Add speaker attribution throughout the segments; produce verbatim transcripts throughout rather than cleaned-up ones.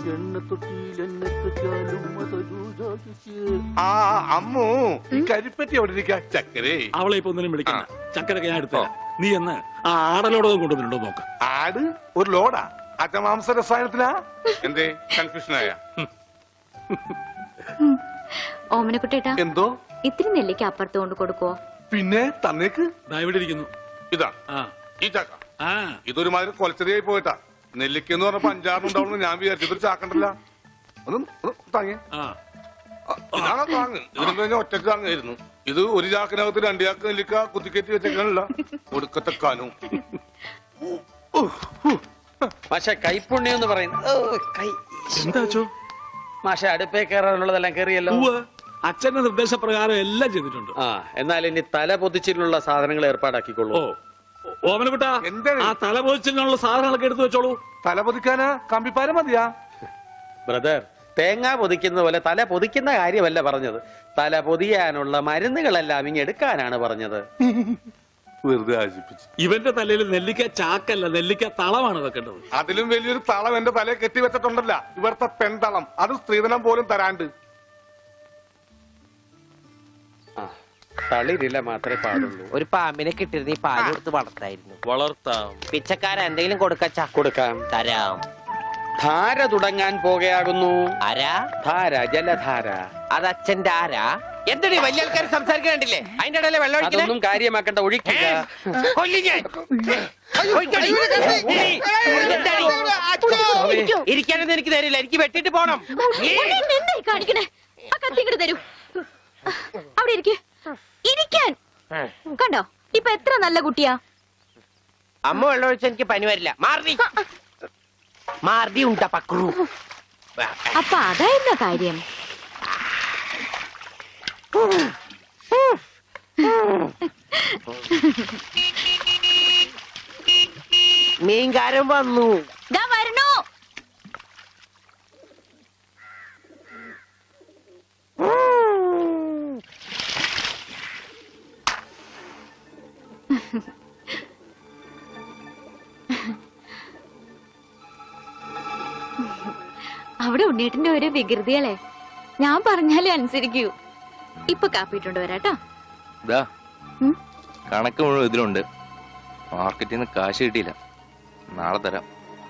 Speaker 1: ആ അമ്മു ഈ കരിപ്പറ്റി എവിടെ ഇരിക്കാ? ചക്കരേ
Speaker 2: അവളെ ഇപ്പൊ ഒന്നിനും വിളിക്കണ്ട. ചക്കരൊക്കെ ഞാൻ എടുത്തോ. നീ എന്ന് ആ ആടലോടകം കൊണ്ടുവന്നിട്ടുണ്ടോ നോക്ക്.
Speaker 1: ആട് ഒരു ലോഡാ? അജമാംസ രസായനത്തിനാ? എന്തേ കൺഫ്യൂഷനായ?
Speaker 3: ഓമനക്കുട്ടേട്ടാ,
Speaker 1: എന്തോ
Speaker 3: ഇത്തിരി നെല്ലിക്ക് അപ്പുറത്ത് കൊണ്ട് കൊടുക്കോ?
Speaker 1: പിന്നെ തന്നേക്ക്.
Speaker 2: ഇവിടെ ഇരിക്കുന്നു.
Speaker 1: ഇതാ ഈ ചക്ക. ഇതൊരു മാതിരി കൊലച്ചെറിയായി പോയിട്ടാ. നെല്ലിക്കെന്ന് പറഞ്ഞപ്പോ അഞ്ചാറുണ്ടാവുന്നു ഞാൻ വിചാരിച്ചു. ഇതൊരു ചാക്കണ്ടല്ല. ഒന്നും താങ്ങേ. ഇതാണോ താങ്ങ്? ഇതിനും കഴിഞ്ഞ ഒറ്റക്ക് താങ്ങായിരുന്നു. ഇത് ഒരു ചാക്കിനകത്ത് രണ്ടു ചാക്ക് നെല്ലിക്ക കുത്തിക്കറ്റി വെച്ചേക്കാനല്ല. ഒടുക്കത്തെ കാനും.
Speaker 4: മാഷെ കൈപ്പുണ്യം എന്ന് പറയുന്നത് മാഷെ അടുപ്പേ കയറാനുള്ളതെല്ലാം കയറിയല്ലോ.
Speaker 2: അച്ഛന്റെ നിർദ്ദേശപ്രകാരം എല്ലാം ചെയ്തിട്ടുണ്ട്.
Speaker 4: ആ എന്നാൽ ഇനി തല പൊതിച്ചിട്ടുള്ള സാധനങ്ങൾ ഏർപ്പാടാക്കിക്കൊള്ളൂ.
Speaker 2: ഓമനക്കുട്ടാ, ആ തല പൊതിച്ചിനുള്ള സാധനങ്ങളൊക്കെ എടുത്തു വെച്ചോളൂ.
Speaker 1: തല പൊതിക്കാനാ കമ്പിപ്പാര മതിയാ?
Speaker 4: ബ്രദർ, തേങ്ങ പൊതിക്കുന്ന പോലെ തല പൊതിക്കുന്ന കാര്യമല്ല പറഞ്ഞത്. തല പൊതിയാനുള്ള മരുന്നുകളെല്ലാം ഇങ്ങ് എടുക്കാനാണ് പറഞ്ഞത്.
Speaker 1: വെറുതെ ആശിപ്പിച്ചു.
Speaker 2: ഇവന്റെ തലയിൽ നെല്ലിക്ക ചാക്കല്ല, നെല്ലിക്ക തളമാണ് വെക്കേണ്ടത്.
Speaker 1: അതിലും വലിയൊരു തളം എന്റെ തലയിൽ കെട്ടി വെച്ചിട്ടുണ്ടല്ല, ഇവിടുത്തെ പെൺതളം. അത് സ്ത്രീധനം പോലും തരാണ്ട്.
Speaker 4: തളിരില്ല മാത്രമേ പാടുള്ളൂ.
Speaker 5: ഒരു പാമ്പിനെ കിട്ടിയിരുന്ന ഈ പാല് കൊടുത്ത് വളർത്തായിരുന്നു.
Speaker 4: വളർത്താം.
Speaker 5: പിച്ചക്കാരൻ എന്തെങ്കിലും കൊടുക്കച്ചാ?
Speaker 4: കൊടുക്കാം.
Speaker 5: തരാം.
Speaker 4: ധാര തുടങ്ങാൻ പോകുകയാകുന്നു.
Speaker 5: ആരാ?
Speaker 4: ധാര, ജലധാര.
Speaker 5: അത് അച്ഛന്റെ ആരാ? എന്താണ് വലിയ ആൾക്കാർ സംസാരിക്കണ്ടില്ലേ? അതിന്റെ ഇടയിലെ വെള്ളം
Speaker 4: ഒന്നും കാര്യമാക്കണ്ട, ഒഴിക്കുക.
Speaker 5: ഇരിക്കാനൊന്നും എനിക്ക് തരില്ല, എനിക്ക് വെട്ടിട്ട് പോണം.
Speaker 3: കാണിക്കണേ, ആ കത്തി ഇങ്ങോട്ട് തരൂ. അവിടെ ഇരിക്കേ. ഇരിക്കാൻ കണ്ടോ ഇപ്പൊ എത്ര നല്ല കുട്ടിയാ.
Speaker 5: അമ്മ വെള്ളം ഒഴിച്ച എനിക്ക് പനി വരില്ല. മാറി മാറി ഉണ്ടാ പക്രു.
Speaker 3: അപ്പൊ അതായിരുന്ന കാര്യം.
Speaker 5: മീൻകാരൻ വന്നു.
Speaker 3: വരണോ? അവിടെ ഉണ്ണീട്ടിന്റെ ഒരു വികൃതികളെ ഞാൻ പറഞ്ഞാലേ അനുസരിക്കൂ. ഇപ്പൊ കാപ്പിട്ടുണ്ട് വരാട്ടോ.
Speaker 6: കണക്ക് മുഴുവൻ ഇതിലുണ്ട്. മാർക്കറ്റിൽ നിന്ന് കാശ് കിട്ടിയില്ല, നാളെ തരാം.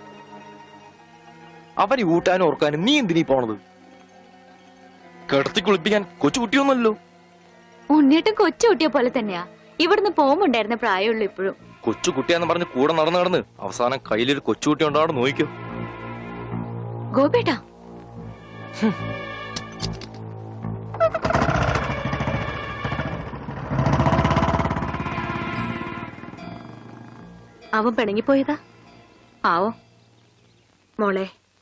Speaker 6: അവന് ഊട്ടാനും ഓർക്കാനും നീ എന്തിനീ പോണത്? കിടത്തി കുളിപ്പിക്കാൻ കൊച്ചുകുട്ടിയൊന്നുമല്ലോ.
Speaker 3: ഉണ്ണീട്ടും കൊച്ചുകുട്ടിയെ പോലെ തന്നെയാ. ഇവിടുന്ന് പോകുമ്പോണ്ടായിരുന്ന പ്രായമുള്ളൂ ഇപ്പോഴും.
Speaker 6: കൊച്ചുകുട്ടിയാന്ന് പറഞ്ഞ് കൂടെ നടന്ന് നടന്ന് അവസാനം കയ്യിലൊരു കൊച്ചുകുട്ടി ഉണ്ടാവും. നോക്കിക്കോ
Speaker 3: ഗോപേട്ടാ. അവൻ പിണങ്ങിപ്പോയതാ. ആവോ മോളെ,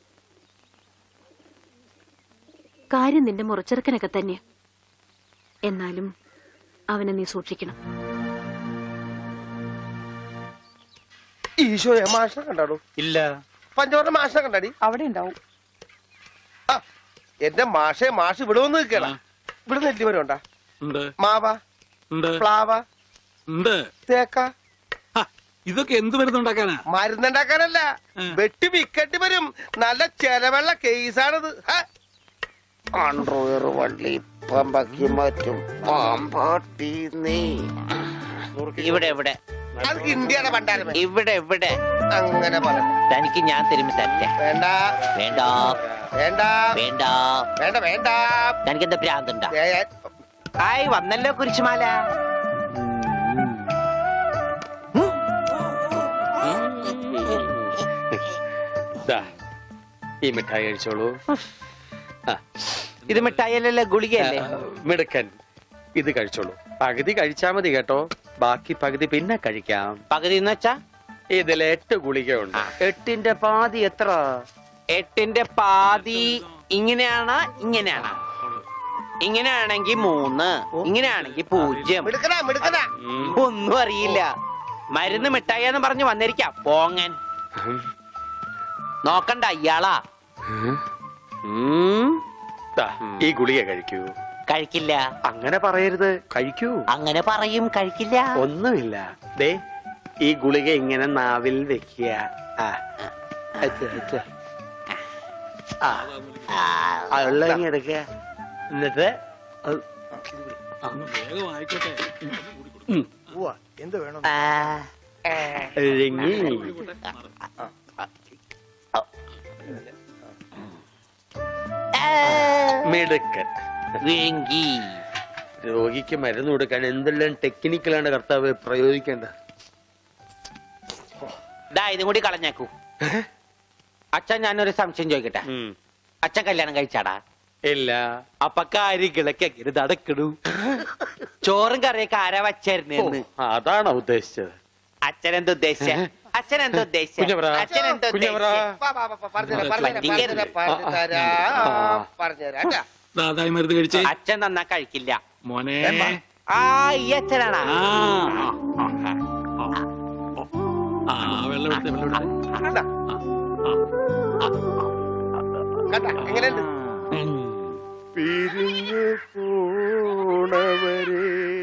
Speaker 3: കാര്യം നിന്റെ മുറച്ചെറുക്കനൊക്കെ തന്നെ. എന്നാലും അവനെ നീ സൂക്ഷിക്കണം.
Speaker 5: ഈശോയെ, മാഷിനെ കണ്ടാടോ?
Speaker 4: ഇല്ല.
Speaker 5: പഞ്ചവർണ്ണ മാഷിനെ കണ്ടാടി?
Speaker 4: അവിടെ ഉണ്ടാവും.
Speaker 5: എന്റെ മാഷെ, മാഷ് ഇവിടെ വന്ന് നിൽക്കണ. ഇവിടെ നെല്ലിമരം ഉണ്ടാ? മാവ, പ്ലാവ, തേക്ക.
Speaker 2: ഇതൊക്കെ എന്ത് മരുന്നുണ്ടാക്കാനാ?
Speaker 5: മരുന്നുണ്ടാക്കാനല്ല, വെട്ടി വിക്കട്ടി വരും. നല്ല ചെലവുള്ള കേസാണിത്. ആൻഡ്രോയർ വള്ളി പമ്പക്കി മറ്റും പാമ്പാട്ടി നീ. ഇവിടെ ഇവിടെ ഇന്ത്യയുടെ പണ്ടാരം. ഇവിടെ ഇവിടെ അങ്ങനെ പറ. തനിക്ക് ഞാൻ തിരുമ്പി തരട്ടെ. വേണ്ട വേണ്ട വേണ്ട വേണ്ട വേണ്ട വേണ്ട. തനിക്ക് എന്താ ഭ്രാന്തുണ്ടാ? ആയി വന്നല്ലോ കുരിശുമാല.
Speaker 4: ഈ മിഠായി കഴിച്ചോളൂ.
Speaker 5: ഇത് മിഠായിയല്ലേ, ഗുളികയല്ലേ?
Speaker 4: മിടുക്കൻ. ഇത് കഴിച്ചോളൂ. പകുതി കഴിച്ചാ മതി കേട്ടോ, ബാക്കി പകുതി പിന്നെ കഴിക്കാം.
Speaker 5: പകുതി എന്ന് വെച്ചാ
Speaker 4: ഇതിൽ എട്ട് ഗുളികയുണ്ട്.
Speaker 5: എട്ടിന്റെ പാതി എത്ര? എട്ടിന്റെ പാതി ഇങ്ങനെയാണ്, ഇങ്ങനെയാണ്. ഇങ്ങനെയാണെങ്കിൽ മൂന്ന്, ഇങ്ങനെയാണെങ്കിൽ പൂജ്യം. ഒന്നും അറിയില്ല. മരുന്ന് മിഠായിന്ന് പറഞ്ഞു വന്നിരിക്കാം പോങ്ങൻ. നോക്കണ്ട ഇയാളാ.
Speaker 4: ഈ ഗുളിക കഴിക്കൂ.
Speaker 5: കഴിക്കില്ല.
Speaker 4: അങ്ങനെ പറയരുത്, കഴിക്കൂ.
Speaker 5: അങ്ങനെ പറയും, കഴിക്കില്ല.
Speaker 4: ഒന്നുമില്ല. ദേ ഈ ഗുളിക ഇങ്ങനെ നാവിൽ വെക്കുക.
Speaker 5: ആ ഉള്ള എടുക്കുക എന്നിട്ട്
Speaker 2: ഒന്ന് വേഗം ആയിക്കോട്ടെ
Speaker 7: എന്ത് വേണം
Speaker 5: ഇഴങ്ങി
Speaker 4: മിടുക്കൻ.
Speaker 5: വിഴുങ്ങി.
Speaker 4: രോഗിക്ക് മരുന്ന് കൊടുക്കാൻ എന്തെല്ലാം ടെക്നിക്കലാണ് കർത്താവ് പ്രയോഗിക്കേണ്ടത്.
Speaker 5: ദാ ഇതും കൂടി കളഞ്ഞേക്കൂ. അച്ഛൻ ഞാനൊരു സംശയം ചോദിക്കട്ടെ,
Speaker 4: ഉം.
Speaker 5: അച്ഛൻ കല്യാണം കഴിച്ചാടാ?
Speaker 4: ഇല്ല.
Speaker 5: അപ്പൊ കാര്യങ്ങളൊക്കെ എങ്ങനെ നടക്കണു? ചോറും കറിയൊക്കെ ആരാ വച്ചായിരുന്നെന്ന്
Speaker 4: അതാണോ ഉദ്ദേശിച്ചത്?
Speaker 5: അച്ഛൻ എന്താ ഉദ്ദേശിച്ച? അച്ഛൻ എന്താ ഉദ്ദേശിച്ച?
Speaker 4: കുഞ്ഞവറാ,
Speaker 5: അച്ഛൻ എന്താ
Speaker 4: കുഞ്ഞവറാ.
Speaker 2: ദാതായി മരുന്ന് കഴിച്ചേ
Speaker 5: അച്ഛൻ നന്നാ കഴിക്കില്ല
Speaker 2: മോനെ.
Speaker 5: ആ ഈ അച്ഛനാണാ?
Speaker 2: ആ ആ, ആ വെള്ളം എടുത്തേ, വെള്ളം എടുത്തേ.
Speaker 7: എങ്ങനെയുണ്ട്
Speaker 8: പിരിഞ്ഞു പോണവരെ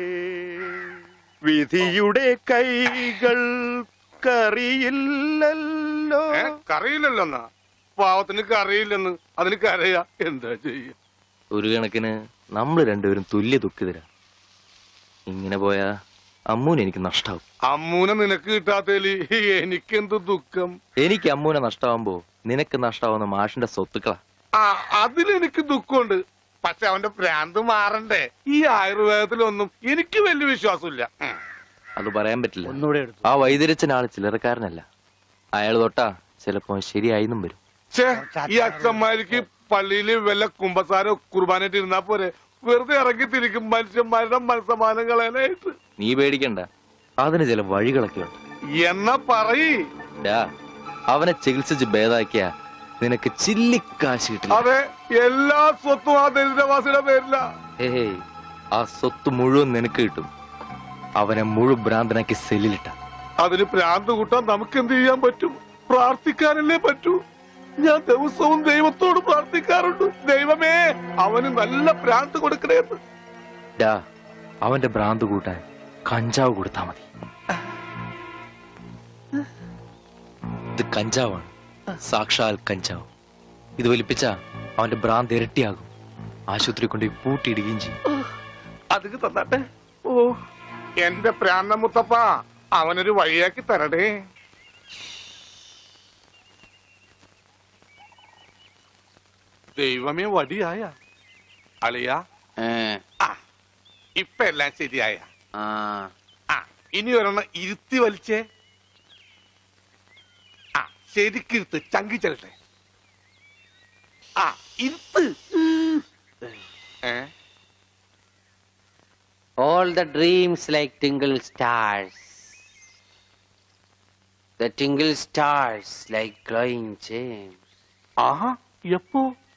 Speaker 8: വിധിയുടെ കൈകൾ കറിയില്ലല്ലോ.
Speaker 1: ഏ കറിയില്ലല്ലോ എന്നാ പാവത്തിന് കറിയില്ലെന്ന് അതിന് കരയാ എന്താ ചെയ്യ.
Speaker 6: ഒരു കണക്കിന് നമ്മൾ രണ്ടുപേരും തുല്യ ദുഃഖിതരാ. ഇങ്ങനെ പോയാ അമ്മൂന് എനിക്ക് നഷ്ടാവും.
Speaker 1: അമ്മൂനെ നിനക്ക് കിട്ടാത്തേലി എനിക്കെന്ത് ദുഃഖം.
Speaker 6: എനിക്ക് അമ്മൂനെ നഷ്ടാവുമ്പോ നിനക്ക് നഷ്ടാവുന്ന മാഷിന്റെ സ്വത്തുക്കളാ.
Speaker 1: ആ അതിലെനിക്ക് ദുഃഖമുണ്ട്. പക്ഷെ അവന്റെ ഭ്രാന്ത് മാറണ്ടേ. ഈ ആയുർവേദത്തിലൊന്നും എനിക്ക് വലിയ വിശ്വാസമില്ല. ഉം.
Speaker 6: അത് പറയാൻ പറ്റില്ല. ആ വൈദ്യരച്ചനാള് ചില്ലറക്കാരനല്ല. അയാൾ തൊട്ടാ ചിലപ്പോ ശരിയായിന്നും വരും.
Speaker 1: ഛേ ഈ അച്ഛന്മാർക്ക് പള്ളിയില് വല്ല കുമ്പസാരോ കുർബാനായിട്ട് ഇരുന്നാ പോരെ. വെറുതെ ഇറങ്ങി തിരിക്കും മനുഷ്യന്മാരുടെ മനസ്സമാനം കളയാനായിട്ട്.
Speaker 6: നീ പേടിക്കണ്ട, അതിന് ചില വഴികളൊക്കെ ഉണ്ട്.
Speaker 1: എന്നാ പറയ്.
Speaker 6: ഡാ, അവനെ ചികിത്സിച്ച് ഭേദാക്കിയ നിനക്ക് ചില്ലിക്കാശ് കിട്ടില്ല.
Speaker 1: അതെ, എല്ലാ സ്വത്തും ആ ദരിദ്രവാസിയുടെ പേരില.
Speaker 6: ഏയ്, ആ സ്വത്ത് മുഴുവൻ നിനക്ക് കിട്ടും. അവനെ മുഴു ഭ്രാന്തനാക്കി സെല്ലിലിട്ട.
Speaker 1: അതിന് ഭ്രാന്ത് കൂട്ടാൻ നമുക്ക് എന്ത് ചെയ്യാൻ പറ്റും? പ്രാർത്ഥിക്കാനല്ലേ പറ്റൂ. ഞാൻ ദിവസവും ദൈവത്തോട് പ്രാർത്ഥിക്കാറുണ്ട്, ദൈവമേ അവന് നല്ല ഭ്രാന്ത് കൊടുക്കണേന്ന്.
Speaker 6: ഡാ, അവന്റെ ഭ്രാന്ത് കൂട്ടാൻ കഞ്ചാവ് കൊടുത്താ മതി. ഇത് കഞ്ചാവാണ്, സാക്ഷാൽ കഞ്ചാവ്. ഇത് വലിപ്പിച്ച അവന്റെ ഭ്രാന്ത് ഇരട്ടിയാകും. ആശുപത്രി കൊണ്ട് പൂട്ടിയിടുകയും ചെയ്യും.
Speaker 1: അതിന് തന്നാട്ടെ. ഓ എന്റെ പ്രാന്ത മുത്തപ്പ, അവനൊരു വഴിയാക്കി തരടേ. ദൈവമേ വടിയായ അളിയ. ആ ഇപ്പൊ എല്ലാം ശരിയായ. ആ ഇനി ഒരെണ്ണം ഇരുത്തി വലിച്ചേ. ആ ശരിക്കിരുത്ത്, ചങ്കി ചെല്ലട്ടെ. ആ ഇരുത്ത്. ഏ
Speaker 5: All the dreams like tingle stars. The tingle stars like glowing gems.
Speaker 1: ആഹാ എപ്പോ?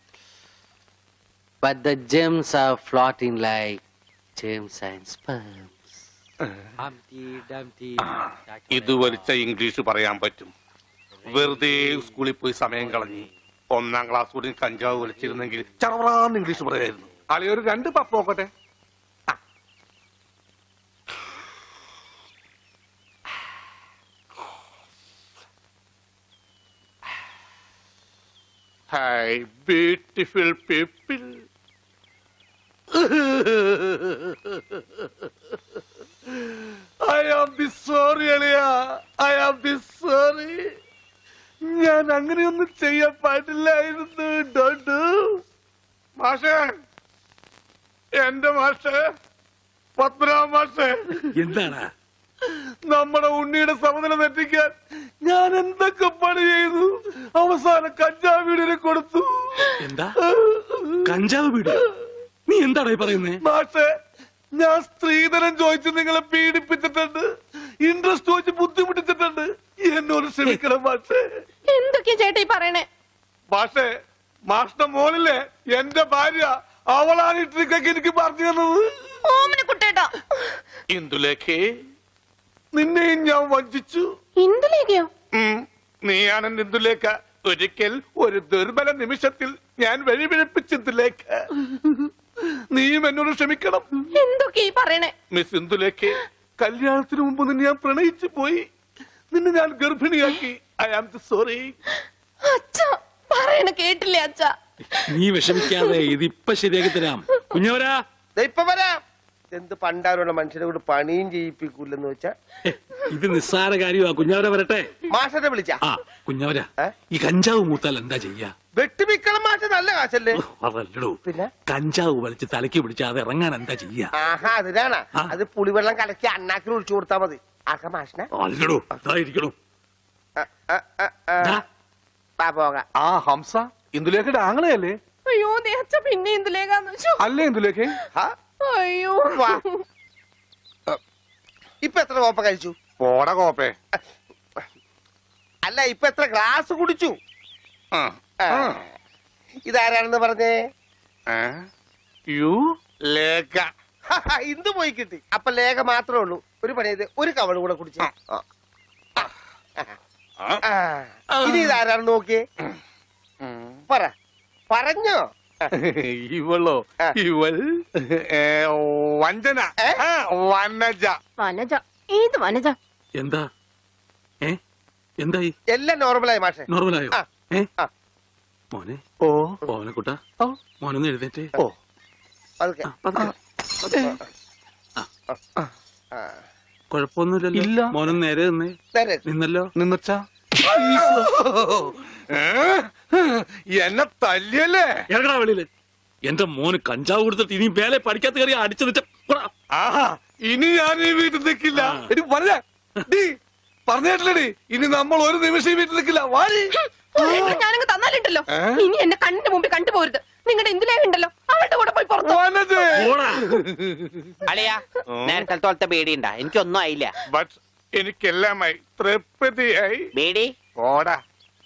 Speaker 5: But the gems are floating like gems and sperms. Humpty Dumpty.
Speaker 1: ഇത് വലിച്ച ഇംഗ്ലീഷ് പറയാൻ പറ്റും. വെറുതെ സ്കൂളിൽ പോയി സമയം കളഞ്ഞ് ഒന്നാം ക്ലാസ് കൂടി കഞ്ചാവ് വലിച്ചിരുന്നെങ്കിൽ ചറവറാന്ന് ഇംഗ്ലീഷ് പറയായിരുന്നു. അളിയൊരു രണ്ട് പപ്പ് നോക്കട്ടെ. Hi, beautiful people. I am the sorry, അളിയ. I am the sorry. ഞാൻ അങ്ങനെയൊന്നും ചെയ്യാൻ പാടില്ലായിരുന്നു. Don't do. മാഷേ, എന്റെ മാഷേ, പത്മനാഭ മാഷേ,
Speaker 2: എന്താടാ?
Speaker 1: നമ്മുടെ ഉണ്ണിയുടെ സമനില തെറ്റിക്കാൻ ഞാൻ എന്തൊക്കെ പണി ചെയ്തു. അവസാനം കഞ്ചാവ് വീടിനെ കൊടുത്തു.
Speaker 2: എന്താ കഞ്ചാവ് വീഡിയോ? നീ എന്താടാ ഈ പറയുന്നേ?
Speaker 1: മാഷേ, ഞാൻ സ്ത്രീധനം ചോദിച്ച് നിങ്ങളെ പീഡിപ്പിച്ചിട്ടുണ്ട്, ഇൻട്രസ്റ്റ് ചോദിച്ച് ബുദ്ധിമുട്ടിച്ചിട്ടുണ്ട്. എന്നോട് ക്ഷമിക്കണം മാഷേ.
Speaker 3: എന്തൊക്കെയാ ചേട്ടാ ഈ പറയണേ?
Speaker 1: മാഷേ, മാഷിന്റെ മോളിലെ എന്റെ ഭാര്യ, അവളാണ് ഈ ട്രിക്കൊക്കെ എനിക്ക് പറഞ്ഞു തന്നത്.
Speaker 3: ഓമന കുട്ടേട്ടാ.
Speaker 1: ഇന്ദുലേഖേ, നിന്നെയും ഞാൻ വഞ്ചിച്ചു.
Speaker 3: എന്തിലേക്കോ?
Speaker 1: ഉം, നീയാണ് ഇന്ദുലേഖ. ഒരിക്കൽ ഒരു ദുർബല നിമിഷത്തിൽ ഞാൻ വഴിപിഴപ്പിച്ചതിലേഖ. നീയും എന്നോട് ക്ഷമിക്കണം.
Speaker 3: എന്തൊക്കെയാ ഈ പറയണേ?
Speaker 1: മിസ് ഇന്ദുലേഖേ, കല്യാണത്തിന് മുമ്പ് നിന്നെ ഞാൻ പ്രണയിച്ചു പോയി. നിന്നെ ഞാൻ ഗർഭിണിയാക്കി. I am sorry.
Speaker 3: അച്ഛാ
Speaker 9: പറയണ കേട്ടില്ലേ അച്ഛാ?
Speaker 2: നീ വിഷമിക്കാതെ ഇതിപ്പൊ ശരിയാക്കി തരാം. കുഞ്ഞവരാ,
Speaker 7: ദേ ഇപ്പൊ വരാം. എന്ത് പണ്ടാരുള്ള മനുഷ്യനെ കൊണ്ട് പണിയും ചെയ്യിപ്പിക്കൂലെന്ന് വെച്ചാ
Speaker 2: ഏ, ഇത് നിസ്സാര കാര്യമാ. കുഞ്ഞവര വരട്ടെ.
Speaker 7: മാഷനെ വിളിച്ച
Speaker 2: ആ കുഞ്ഞവര,
Speaker 7: ഏ?
Speaker 2: ഈ കഞ്ചാവ് മൂത്താൽ എന്താ ചെയ്യാ?
Speaker 7: വെട്ടിമിക്കണം മാഷ നല്ല കാശല്ലേ?
Speaker 2: അതല്ലടോ,
Speaker 7: പിന്നെ
Speaker 2: കഞ്ചാവ് വലിച്ച് തലയ്ക്ക് പിടിച്ച് അത് ഇറങ്ങാൻ എന്താ ചെയ്യാ?
Speaker 7: ആഹാ അതിനാണ്
Speaker 2: ആ.
Speaker 7: അത് പുളിവെള്ളം കലക്കി അണ്ണാക്കിൽ ഒഴിച്ചു കൊടുത്താ മതി. ആക്ക മാഷനെ
Speaker 2: അല്ലടോ, അതായിരിക്കണോ.
Speaker 7: ആ, ആ, ആ, ആ.
Speaker 2: ദാ,
Speaker 7: വാ പോകാം.
Speaker 1: ആ ഹംസ ഇന്ദുലേഖയുടെ ആങ്ങളെയല്ലേ?
Speaker 9: അയ്യോ ദേ അച്ഛ പിന്നെ എന്തിലേക്കാന്ന് വെച്ചോ?
Speaker 1: അല്ലേ ഇന്ദുലേഖ?
Speaker 7: ഹാ,
Speaker 9: അയ്യോ
Speaker 7: വാ. ഇപ്പൊ എത്ര കോപ്പ കഴിച്ചു?
Speaker 1: പോട കോപ്പേ.
Speaker 7: അല്ല ഇപ്പൊ എത്ര ഗ്ലാസ് കുടിച്ചു?
Speaker 1: ആ,
Speaker 7: ആ.
Speaker 1: ആ.
Speaker 7: ഇതാരാണെന്ന് പറഞ്ഞേ?
Speaker 1: ഏ? യു ലേഖ.
Speaker 7: ഇന്ന് പോയി കിട്ടി. അപ്പൊ ലേഖ മാത്രമേ ഉള്ളൂ. ഒരു പണി ചെയ്ത് ഒരു കവള് കൂടെ കുടിച്ചു. ഇനി ഇതാരാണെന്ന് നോക്കിയേ. പറ, പറഞ്ഞോ?
Speaker 1: ഇവളോ?
Speaker 7: ആ.
Speaker 1: ഇവൾ ഏ, വഞ്ചന.
Speaker 7: ഏ?
Speaker 1: ആ, വനജ.
Speaker 9: വനജ, ഏത് വനജ?
Speaker 2: എന്താ ഏ എന്തായി?
Speaker 7: എല്ലാം നോർമലായി മാഷെ.
Speaker 2: നോർമലായോ?
Speaker 7: ആ.
Speaker 2: ഏ
Speaker 7: ആ.
Speaker 2: മോനെ,
Speaker 7: ഓ
Speaker 2: മോനെക്കുട്ട,
Speaker 7: ഓ.
Speaker 2: മോനൊന്ന് എഴുന്നേറ്റ്.
Speaker 7: ഓ അതൊക്കെ
Speaker 2: ആ, പതുക്കെ.
Speaker 7: ആ.
Speaker 2: കുഴപ്പമൊന്നുമില്ലല്ലോ.
Speaker 1: ഇല്ല.
Speaker 2: മോനൊന്ന് നേരെ നിന്നേ.
Speaker 7: നേരെ.
Speaker 2: നിന്നല്ലോ.
Speaker 1: നിന്നച്ചാ എന്നെ തല്ലിയല്ലേ?
Speaker 2: ഇറങ്ങടാ വെളിയില്. എന്റെ മോന് കഞ്ചാവ് കൊടുത്തിട്ട് ഇനി മേലെ പഠിക്കാത്ത കയറി അടിച്ചു നിറ്റ.
Speaker 1: ആഹാ, ഇനി ഞാൻ ഈ വീട്ടിൽ നിൽക്കില്ല. എടി പറഞ്ഞ പറഞ്ഞേട്ടില്ലടി, ഇനി നമ്മൾ ഒരു നിമിഷം ഈ വീട്ടിൽ നിൽക്കില്ല. വാരി
Speaker 9: ഞാനങ്ങ് തന്നാലുണ്ടല്ലോ,
Speaker 1: ഏ?
Speaker 9: ഇനി എന്നെ കണ്ണിന്റെ മുമ്പിൽ കണ്ടുപോരുത്. നിങ്ങളുടെ എന്തിലേക്കുണ്ടല്ലോ അവളുടെ കൂടെ പോയി പുറത്തു.
Speaker 1: വനജേ.
Speaker 5: അളിയാ നേരത്തെ തോളത്തെ ബേടിയുണ്ടാ? എനിക്കൊന്നും ആയില്ല.
Speaker 1: ബട്ട് എനിക്കെല്ലാമായി തൃപ്തിയായി.
Speaker 5: ബേടി
Speaker 1: ഓടാ.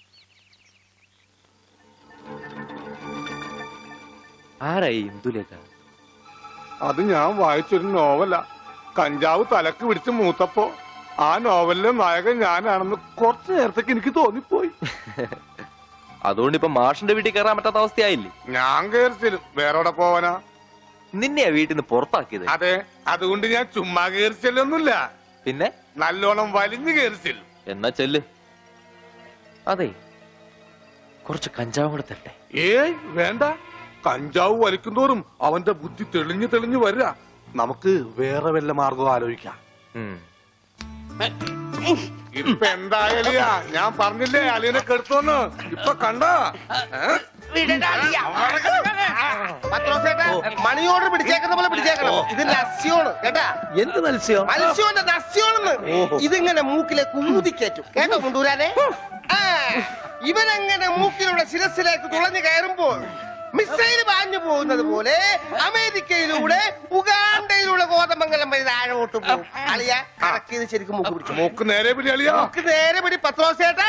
Speaker 6: ആരായി ഇന്ദുലേഖ?
Speaker 1: അത് ഞാൻ വായിച്ചൊരു നോവല. കഞ്ചാവ് തലക്ക് പിടിച്ച് മൂത്തപ്പോ ആ നോവലിലെ നായകൻ ഞാനാണെന്ന് കുറച്ചു നേരത്തേക്ക് എനിക്ക് തോന്നിപ്പോയി.
Speaker 6: അതുകൊണ്ട് ഇപ്പൊ മാഷിന്റെ വീട്ടിൽ കയറാൻ പറ്റാത്ത അവസ്ഥയായില്ലേ?
Speaker 1: ഞാൻ കയറിച്ചിലും വേറെവിടെ പോവാനാ?
Speaker 6: നിന്നെയാ വീട്ടിൽ നിന്ന് പുറത്താക്കിയത്.
Speaker 1: അതെ, അതുകൊണ്ട് ഞാൻ ചുമ്മാ കയറിച്ചല്ലൊന്നുമില്ല,
Speaker 6: പിന്നെ
Speaker 1: നല്ലോണം വലിഞ്ഞു കയറിച്ചില്ല.
Speaker 6: എന്നാ ചെല്ല്. അതെ, കുറച്ച് കഞ്ചാവും കൂടെ തരട്ടെ.
Speaker 1: ഏയ് വേണ്ട, കഞ്ചാവ് വലിക്കുന്തോറും അവന്റെ ബുദ്ധി തെളിഞ്ഞു തെളിഞ്ഞു വരിക. നമുക്ക് വേറെ വല്ല മാർഗം ആലോചിക്കാം.
Speaker 6: ഉം.
Speaker 1: ഇപ്പൊ എന്തായാലിയാ, ഞാൻ പറഞ്ഞില്ലേ അളിയനെ കെടുത്തോന്ന്. ഇപ്പൊ കണ്ട
Speaker 7: മണി ഓർഡർ പിടിച്ചേക്കുന്ന പോലെ പിടിച്ചേക്കണം. ഇത് നസ്യോണ് കേട്ടാ.
Speaker 4: എന്ത് മത്സ്യം?
Speaker 7: മത്സ്യോന്റെ നസ്യോണെന്ന്. ഇതിങ്ങനെ മൂക്കിലെ കുമുതിക്കേറ്റും കേട്ടോ മുണ്ടൂരാനെ. ആ, ഇവനങ്ങനെ മൂക്കിലൂടെ ശിരസിലേക്ക് തുളഞ്ഞു കയറുമ്പോൾ മിസൈൽ പാഞ്ഞു പോകുന്നത് പോലെ അമേരിക്കയിലൂടെ ഉഗാണ്ടയിലൂടെ കോതമംഗലം വഴി താഴോട്ട് പോകും. അളിയ കറക്കിയത് ശരിക്കും മൂക്ക് പിടിച്ചു.
Speaker 1: മൂക്ക് നേരെ പിടി അളിയാ.
Speaker 7: മൂക്ക് നേരെ പിടി പത്രോസേട്ടാ.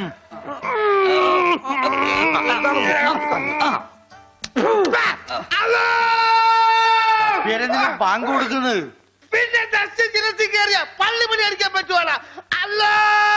Speaker 4: പാങ്ക് കൊടുക്കുന്നത്
Speaker 7: പിന്നെ ദർശ ശിരസി കയറിയ പള്ളി പണി അടിക്കാൻ പറ്റുവാണ്. അല്ലോ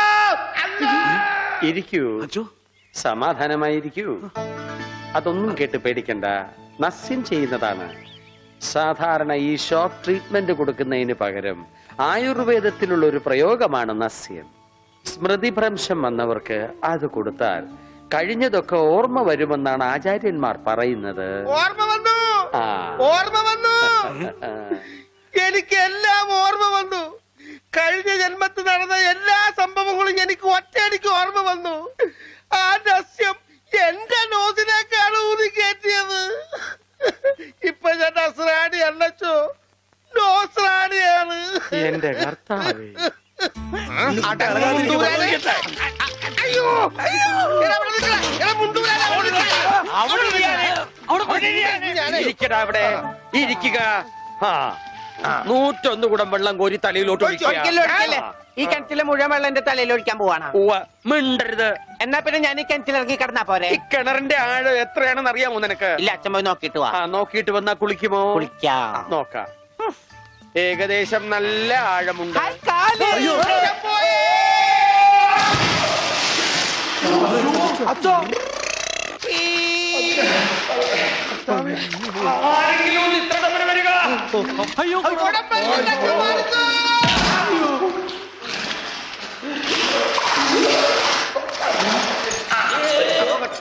Speaker 4: ഇരിക്കൂ,
Speaker 2: അച്ചോ,
Speaker 4: സമാധാനമായിരിക്കൂ. അതൊന്നും കേട്ട് പേടിക്കണ്ട, നസ്യം ചെയ്യുന്നതാണ്. സാധാരണ ഈ ഷോക്ക് ട്രീറ്റ്മെന്റ് കൊടുക്കുന്നതിന് പകരം ആയുർവേദത്തിലുള്ള ഒരു പ്രയോഗമാണ് നസ്യം. സ്മൃതിഭ്രംശം വന്നവർക്ക് അത് കൊടുത്താൽ കഴിഞ്ഞതൊക്കെ ഓർമ്മ വരുമെന്നാണ് ആചാര്യന്മാർ പറയുന്നത്.
Speaker 7: ഓർമ്മ വന്നു,
Speaker 4: ആ.
Speaker 7: ഓർമ്മ വന്നു. എനിക്ക് എല്ലാം ഓർമ്മ വന്നു. കഴിഞ്ഞ ജന്മത്തിൽ നടന്ന എല്ലാ സംഭവങ്ങളും എനിക്ക് ഒറ്റയടിക്ക് ഓർമ്മ വന്നു. ആ നസ്യം എന്റെ നോസിലേക്കാണ് ഊതി കയറ്റിയത്. ഇപ്പൊ ഞാൻ നസ്രാണി അല്ലച്ചോ, നോസ്രാണിയാണ്.
Speaker 4: എന്റെ കർത്താവേ.
Speaker 7: അയ്യോ
Speaker 4: ഇരിക്കടാ അവിടെ, ഇരിക്കുക. നൂറ്റൊന്ന് കുടം വെള്ളം കോരി തലയിലോട്ട് ഒഴിക്കുക.
Speaker 5: ഈ കിണറ്റിലെ മുഴുവൻ വെള്ളം എന്റെ തലയിൽ ഒഴിക്കാൻ പോവാണ്.
Speaker 4: ഉവ്വ, മിണ്ടരുത്.
Speaker 5: എന്നാ പിന്നെ ഞാൻ ഈ കിണറ്റിൽ ഇറങ്ങി കിടന്നാ പോരെ?
Speaker 4: ഈ കിണറിന്റെ ആഴം എത്രയാണെന്ന് അറിയാമോ നിനക്ക്?
Speaker 5: ഇല്ല, അച്ഛൻ പോയി നോക്കിട്ട് വാ.
Speaker 4: ആ, നോക്കിയിട്ട് വന്നാ കുളിക്കുമോ?
Speaker 5: കുളിക്കാം.
Speaker 4: നോക്കാം. ഏകദേശം നല്ല ആഴമുണ്ട്.
Speaker 5: ഹായ്, കാല്.
Speaker 2: അയ്യോ,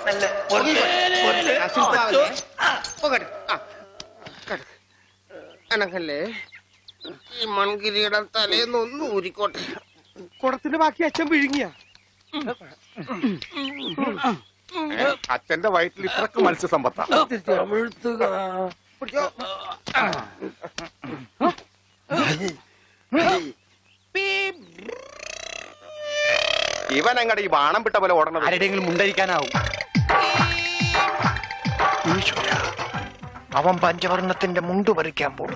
Speaker 7: മെല്ലെ. പൊങ്ങി. ആ, ശില്പാവല്ലേ? പോകട്ടെ. ആ, കട. അനങ്ങല്ലേ ഈ മൺകിരിയുടെ തലേന്ന് ഒന്ന് ഊരിക്കോട്ടെ. കുടത്തിന്റെ ബാക്കി അച്ഛൻ വിഴുങ്ങിയ
Speaker 1: അച്ഛന്റെ വയറ്റിൽ ഇത്രക്ക് മത്സ്യസമ്പത്താ.
Speaker 8: ഇവൻ അങ്ങടെ ഈ ബാണം വിട്ട പോലെ ഓടണം.
Speaker 5: ആരുടെയെങ്കിലും മുണ്ടരിക്കാനാവും.
Speaker 8: അവൻ പഞ്ചവർണ്ണത്തിന്റെ മുണ്ട് പറിക്കാൻ പോകും.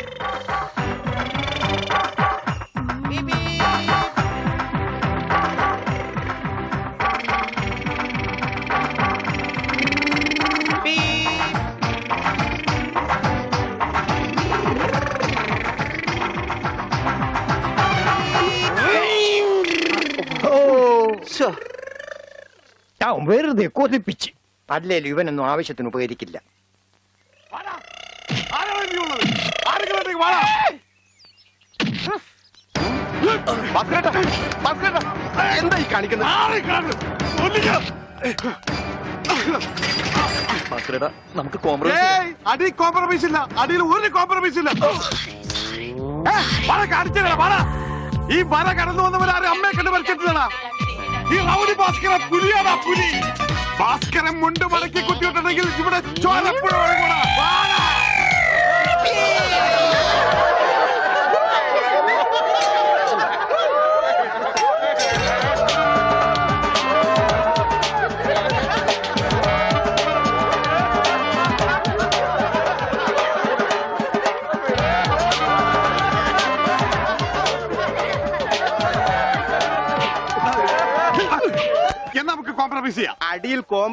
Speaker 5: ഞാൻ വെറുതെ കൊതിപ്പിച്ച്. അല്ലേലും ഇവനൊന്നും ആവശ്യത്തിന് ഉപകരിക്കില്ല.
Speaker 8: എന്താ ഈ കാണിക്കുന്നത്?
Speaker 6: നമുക്ക് കോംപ്രമൈസ്.
Speaker 8: അടി കോംപ്രമൈസ് ഇല്ല. അടിയിൽ ഒരു കോംപ്രമൈസ് ഇല്ല. ഈ വര കടന്നു വന്നവരാരും അമ്മയെ കണ്ട് മരിച്ചിട്ടില്ലടാ. ഈ റൗഡി ഭാസ്കര പുലിയാടാ പുലി. ഭാസ്കരൻ മുണ്ട് മടക്കി കുത്തിയിട്ടുണ്ടെങ്കിൽ ഇവിടെ ചോരപ്പുഴ ഒഴുകൂടാ. എന്നാ നമുക്ക് കോംപ്രമൈസ് ചെയ്യാം.
Speaker 5: അടിയിൽ കോം